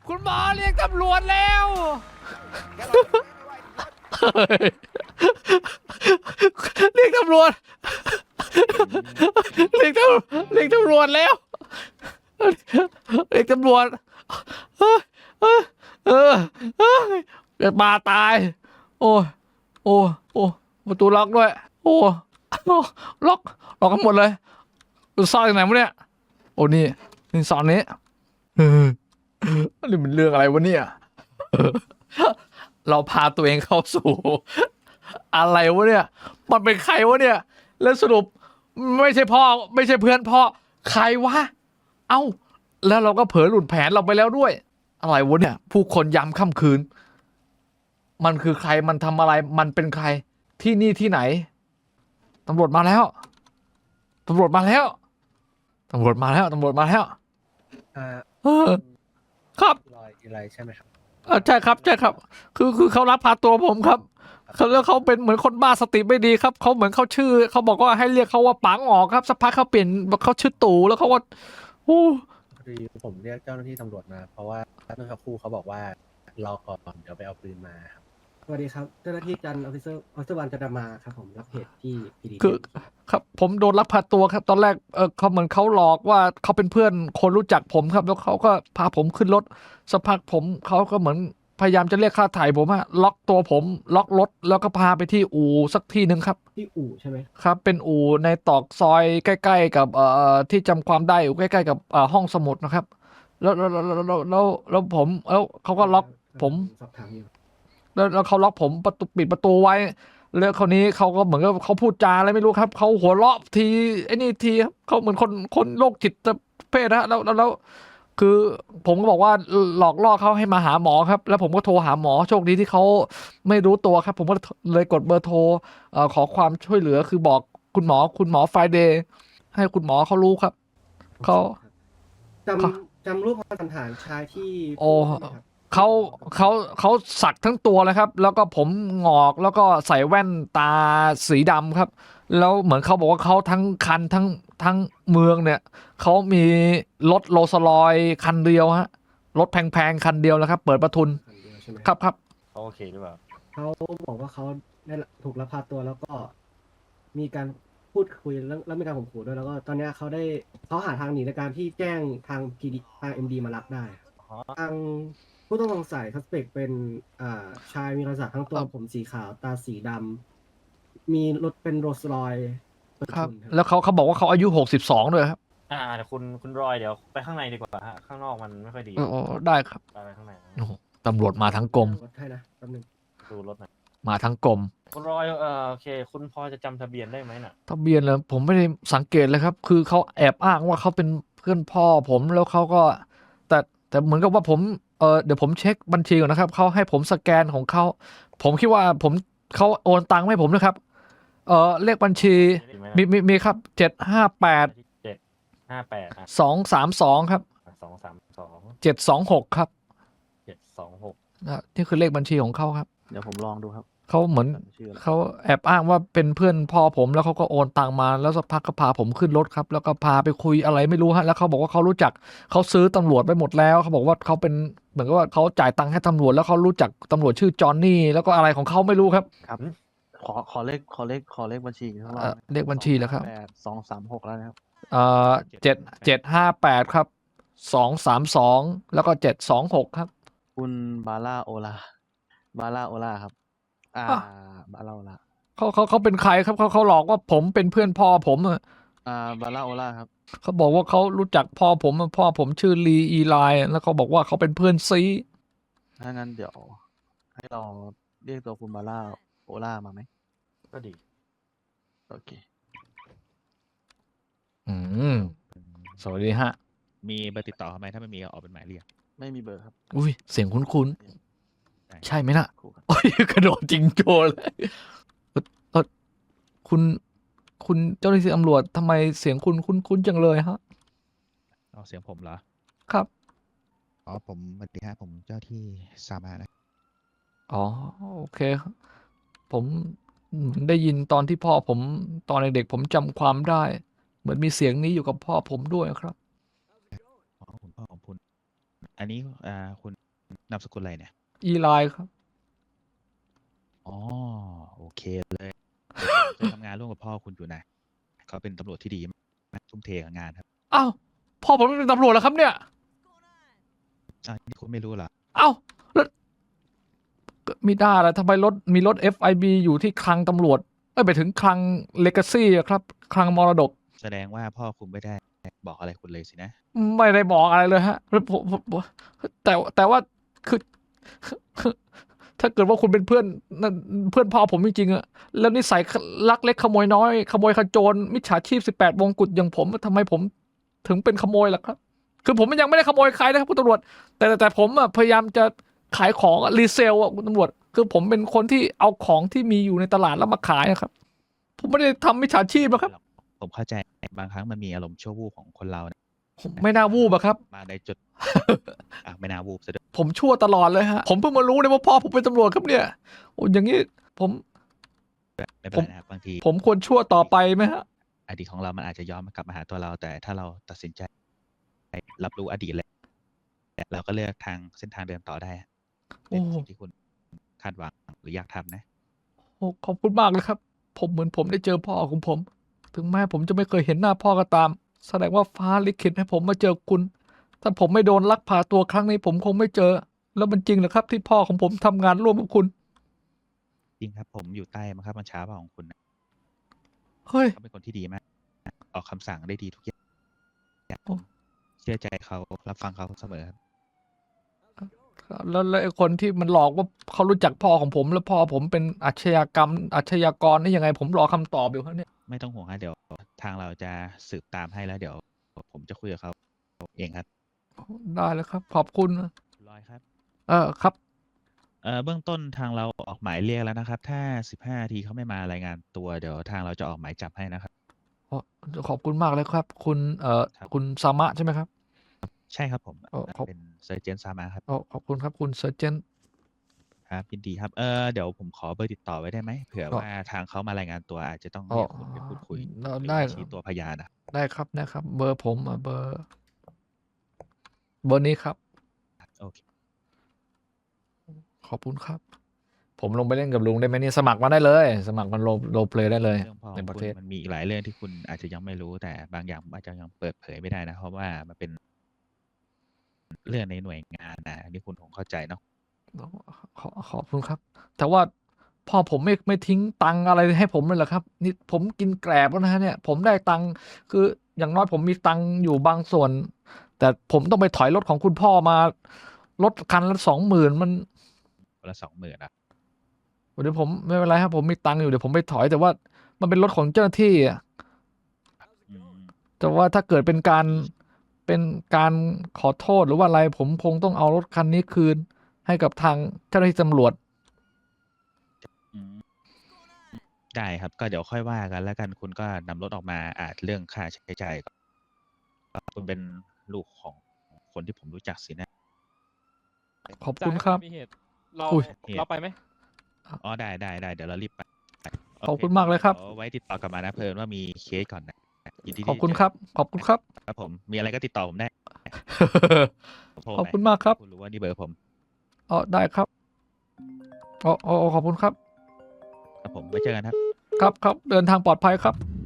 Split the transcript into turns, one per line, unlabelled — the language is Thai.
คุณหมอเรียกตำรวจแล้วเรียกตำรวจเรียกตำรวจแล้วเรียกตำรวจเกิดมาตายโอ้โอ้โอ้ประตูล็อกด้วยโอ้ล็อกกันหมดเลยซ่อนอยู่ไหนวะเนี่ยโอ้นี่ซ่อนนี้นี่มันเรื่องอะไรวะเนี่ยเราพาตัวเองเข้าสู่อะไรวะเนี่ยมันเป็นใครวะเนี่ยแล้วสรุปไม่ใช่พ่อไม่ใช่เพื่อนพ่อใครวะเอ้าแล้วเราก็เผลอหลุดแผนเราไปแล้วด้วยอะไรวะเนี่ยผู้คนยามค่ำคืนมันคือใครมันทำอะไรมันเป็นใครที่นี่ที่ไหนตำรวจมาแล้วตำรวจมาแล้วตำรวจมาแล้วตำรวจมาแล้วครับ
อะไรใช่ไหมครับ
ใช่ครับใช่ครับคือเขารับพาตัวผมครับเขาแล้วเขาเป็นเหมือนคนบ้าสติไม่ดีครับเขาเหมือนเขาชื่อเขาบอกว่าให้เรียกเขาว่าปังออกครับสักพักเขาเปลี่ยนเขาชื่อตู่แล้วเขาว่าโอ้
คือผมเรียกเจ้าหน้าที่ตำรวจมาเพราะว่าเมื่อสักครู่เขาบอกว่ารอก่อนเดี๋ยวไปเอาปืนมาครับ
สวัสดีครับเจ้าหน้าที่จันออฟฟิเซอร์วันจันดามาครับผมรับเหตุที่พีดี
คือครับผมโดนลักพาตัวครับตอนแรกเขาเหมือนเขาหลอกว่าเขาเป็นเพื่อนคนรู้จักผมครับแล้วเขาก็พาผมขึ้นรถสักพักผมเขาก็เหมือนพยายามจะเรียกค่าถ่ายผมอะล็อกตัวผมล็อกรถแล้วก็พาไปที่อู่สักที่หนึ่งครับ
ที่อู่ใช่ไหม
ครับเป็นอู่ในตอกซอยใกล้ๆกับที่จำความได้อยู่ใกล้ๆกับห้องสมุดนะครับแล้วผมแล้วเขาก็ล็อกผม
สอบถามอยู่
แล้วเขาล็อกผมประตูปิดประตูไว้แล้วคราวนี้เขาก็เหมือนกับเขาพูดจาอะไรไม่รู้ครับเขาหัวเราะทีไอ้นี่ทีครับเขาเหมือนคนโรคจิตเพศนะแล้วคือผมก็บอกว่าหลอกล่อเขาให้มาหาหมอครับแล้วผมก็โทรหาหมอโชคดีที่เขาไม่รู้ตัวครับผมก็เลยกดเบอร์โทรขอความช่วยเหลือคือบอกคุณหมอไฟเดย์ให้คุณหมอเขารู้ครับเขา
จำรูปพรรณสันฐานชายที่
โอ้
พูดได้ไหมครับ
เขาสักทั้งตัวเลยครับแล้วก็ผมงอกแล้วก็ใส่แว่นตาสีดำครับแล้วเหมือนเขาบอกว่าเขาทั้งคันทั้งเมืองเนี่ยเขามีรถโรลส์รอยซ์คันเดียวฮะรถแพงๆคันเดียวแล้วครับเปิดประทุน
คันเดียวใช่ไหม
ครับ
เขาโอเคหรือเปล่า
เขาบอกว่าเขาได้ถูกลักพาตัวแล้วก็มีการพูดคุยแล้วมีการข่มขู่ด้วยแล้วก็ตอนเนี้ยเขาหาทางหนีในการที่แจ้งทางพีดีทางเอ็มดีมารับได้
อ๋อ
ทางผู้ต้องสงสัย suspect เป็นชายมีรอยสักทั้งตัวผมสีขาวตาสีดำมีรถเป็นโรลส์รอยซ์เปิด
ครับ
ทุนครับ
แล้วเขาบอกว่าเขาอายุ62ด้วยครับ
เดี๋ยวคุณรอยเดี๋ยวไปข้างในดีกว่าฮะข้างนอกมันไม่ค่อยดี
ได้ครับ
ไปข้างใน
โอ้โหตำรวจมาทั้งกรม
รถให้นะแป๊บนึง
ดูรถหน่อย
มาทั้งกรม
คุณรอยโอเค คุณพอจะจำทะเบียนได้ไหมน่ะ
ทะเบียนแล้วผมไม่ได้สังเกตเลยครับ คือเขาแอบอ้างว่าเขาเป็นเพื่อนพ่อผมแล้วเขาก็ แต่เหมือนกับว่าผมเดี๋ยวผมเช็คบัญชีก่อนนะครับเขาให้ผมสแกนของเขาผมคิดว่าเขาโอนตังค์ให้ผมนะครับเลขบัญชีมีครับ758
758
232ครับ
232
726ครับ
726
นี่คือเลขบัญชีของเขาครับ
เดี๋ยวผมลองดูครับ
เขาเหมือน
ชื่ออะไร
เขาแอบอ้างว่าเป็นเพื่อนพ่อผมแล้วเขาก็โอนตังมาแล้วสักพักก็พาผมขึ้นรถครับแล้วก็พาไปคุยอะไรไม่รู้ฮะแล้วเขาบอกว่าเขารู้จักเขาซื้อตำรวจไปหมดแล้วเขาบอกว่าเขาเป็นเหมือนกับว่าเขาจ่ายตังค์ให้ตำรวจแล้วเขารู้จักตำรวจชื่อจอห์นนี่แล้วก็อะไรของเขาไม่รู้ครับ
ครับ ขอเลขบัญชีอีกสักรอบ
เลขบัญชีแล้วครับ
236แล้วนะครับ
758ครับ232แล้วก็726ครับ
คุณบาร่าโอลาครับ
อ่ะ
บาร่าโอลา
เขาเป็นใครครับเขาหลอกว่าผมเป็นเพื่อนพ่อผมอะ
บาร่าโอลาครับ
เขาบอกว่าเขารู้จักพ่อผมอะพ่อผมชื่อลีอีไลน์แล้วเขาบอกว่าเขาเป็นเพื่อนซี
ถ้างั้นเดี๋ยวให้เราเรียกตัวคุณบาร่าโอลามาไหม
ก็ดี
โอเค
สวัสดีฮะ
มีเบอร์ติดต่อเขาไหมถ้าไม่มีก็ออกเป็นหมายเรียก
ไม่มีเบอร์ครับ
อุ้ยเสียงคุ้น
ได้
ๆใช่ไหมน่ะ
ครูครับ
โอ้ยกระโดดจริงโจเลยคุณเจ้าหน้าที่ตำรวจทำไมเสียงคุณคุ้นๆจังเลยฮะ
เอาเสียงผมเหรอ
ครับ
อ๋อผมสวัสดีฮะผมเจ้าที่สามานะ
อ๋อโอเคครับผมได้ยินตอนที่พ่อผมตอนเด็กๆผมจำความได้ เหมือนมีเสียงนี้อยู่กับพ่อผมด้วยครับ
อ๋อคุณพ่อของคุณอันนี้คุณนามสกุลอะไรเนี่ย
อีไลน์ครับ
อ๋อโอเคเลยเคยทำงานร่วมกับพ่อคุณอยู่นะเขาเป็นตำรวจที่ดีมากทุ่มเทกับงานครับ
อ้าวพ่อผมเป็นตำรวจแล้วครับเนี่ย
นี่คุณไม่รู้เหรอ
เอ้าแล้วก็มีได้แล้วทำไมมีรถ FIB อยู่ที่คลังตำรวจไปถึงคลังเลกาซี่ครับคลังมรดก
แสดงว่าพ่อคุณไม่ได้บอกอะไรคุณเลยสินะ
ไม่ได้บอกอะไรเลยฮะแล้วผมแต่ว่าคือ ถ้าเกิดว่าคุณเป็นเพื่อนนั่นเพื่อนพ่อผมจริงๆอะแล้วนิสัยลักเล็กขโมยน้อยขโมยขโจรมิจฉาชีพ18 วงกุฎอย่างผมทำไมผมถึงเป็นขโมยล่ะครับ คือผมยังไม่ได้ขโมยใครนะครับคุณตำรวจแต่ผมอะพยายามจะขายของรีเซลอะคุณตำรวจคือผมเป็นคนที่เอาของที่มีอยู่ในตลาดแล้วมาขายนะครับ ผมไม่ได้ทำมิจฉาชีพนะครับ
ผมเข้าใจบางครั้งมันมีอารมณ์ชั่ววูบของคนเรานะ
ผมไม่น่าวูบอะครับ
มาในจุด ไม่น่าวูบซะด้วย
ผมชั่วตลอดเลยฮะผมเพิ่งมารู้เลยว่าพ่อผมเป็นตำรวจครับเนี่ยโอ้อย่างนี้ผม
ไม่เป็นไรนะครับบางที
ผมควรชั่วต่อไปไหมฮะ
อดีตของเรามันอาจจะย้อนกลับมาหาตัวเรา แต่ถ้าเราตัดสินใจรับรู้อดีตแล้วเราก็เลือกทางเส้นทางเดินต่อได้เป็นสิ่งที่คุณคาดหวังหรืออยากทำนะ
โอ้ขอบคุณมากเลยครับ ผมเหมือนผมได้เจอพ่อของผม ถึงแม้ผมจะไม่เคยเห็นหน้าพ่อก็ตาม แสดงว่าฟ้าลิขิตให้ผมมาเจอคุณ ถ้าผมไม่โดนลักพาตัวครั้งนี้ผมคงไม่เจอ แล้วมันจริงเหรอครับ ที่พ่อของผมทำงานร่วมกับคุณ
จริงครับผมอยู่ใต้บังคับบัญชาของคุณนะ
เฮ้ย
เขาเป็นคนที่ดีมาก ออกคำสั่งได้ดีทุกอย่าง
โอ้
เชื่อใจเขารับฟังเขาเสมอครับ
แล้วไอ้คนที่มันหลอกว่าเขารู้จักพ่อของผม แล้วพ่อผมเป็นอาชญากรนี่ยังไง ผมรอคำตอบอยู่ครับเนี่ย
ไม่ต้องห่วงฮะเดี๋ยวทางเราจะสืบตามให้แล้วเดี๋ยวผมจะคุยกับเขาเองครับ
ได้เลยครับ ขอบคุณนะ
คุณลอยครับ
ครับ
เบื้องต้นทางเราออกหมายเรียกแล้วนะครับ ถ้า15 นาทีเขาไม่มารายงานตัวเดี๋ยวทางเราจะออกหมายจับให้นะครับ
ขอบคุณมากเลยครับ คุณ
ครับ
คุณซามะใช่ไหมครับ
ใช่ครับผม
ขอบ
เป็นเซอร์เจนซามาครับ
ขอบคุณครับคุณเซอร์เจน
ครับยินดีครับเดี๋ยวผมขอเบอร์ติดต่อไว้ได้ไหมเผื่อ
อ๋อ
ว่าทางเขามารายงานตัวอาจจะต้องเรียกคุณไปพูดคุยหรือ
ได้
ว่าชี้ตัวพยานนะ
ได้ครับเบอร์ผมเบอร์นี้ครับ
โอเค
ขอบคุณครับ ผมลงไปเล่นกับลุงได้ไหมเนี่ยสมัครมาได้เลย สมัครมันโรเพลย์ได้เลย
เรื่องพ่อข
ใน
อง
ประ
คุ
เท
ณ
ศ
มันมีอีกหลายเรื่องที่คุณอาจจะยังไม่รู้แต่บางอย่างอาจจะยังเปิดเผยไม่ได้นะ เพราะว่ามันเป็นเรื่องในหน่วยงานนะอันนี่คุณคงเข้าใจเนาะ
ขอบคุณครับ แต่ว่าพ่อผมไม่ทิ้งตังค์อะไรให้ผมเลยเหรอครับ นี่ผมกินแกลบแล้วนะฮะเนี่ย ผมได้ตังค์คืออย่างน้อยผมมีตังค์อยู่บางส่วน แต่ผมต้องไปถอยรถของคุณพ่อมารถคันละ20,000มัน
คนละ20,000นะ
เดี๋ยวผมไม่เป็นไรครับผมมีตังค์อยู่เดี๋ยวผมไปถอยแต่ว่ามันเป็นรถของเจ้าหน้าที่อะ
อืม
แต่ว่าถ้าเกิดเป็นการขอโทษหรือว่าอะไร ผมคงต้องเอารถคันนี้คืน ให้กับทางเจ้าหน้าที่ตำรวจ
อืมได้ครับก็เดี๋ยวค่อยว่ากันแล้วกันคุณก็นำรถออกมาเรื่องค่าใช้จ่ายก็คุณเป็นลูกของคนที่ผมรู้จักสินะ
ขอบคุณครับ
มีเหตุเรา
อุ้ย
เราไปไหม
อ๋อได้เดี๋ยวเรารีบไปโ
ขอบคุณมากเลยครับ
ดี๋วไว้ติดต่อกลับมานะเพิ่นว่ามีเคสก่อนนะยินดีที่
ขอบคุณ
จะ
ครับ ขอบคุณครับ
ครับผมมีอะไรก็ติดต่อผมได้โทร
ขอบ
ไป
คุณมากครับ
คุณรู้ว่านี่เบอร์ผม
ได้ครับขอบคุณครับ
ครับผมไว้เจอกันครับ
ครับเดินทางปลอดภัยครับ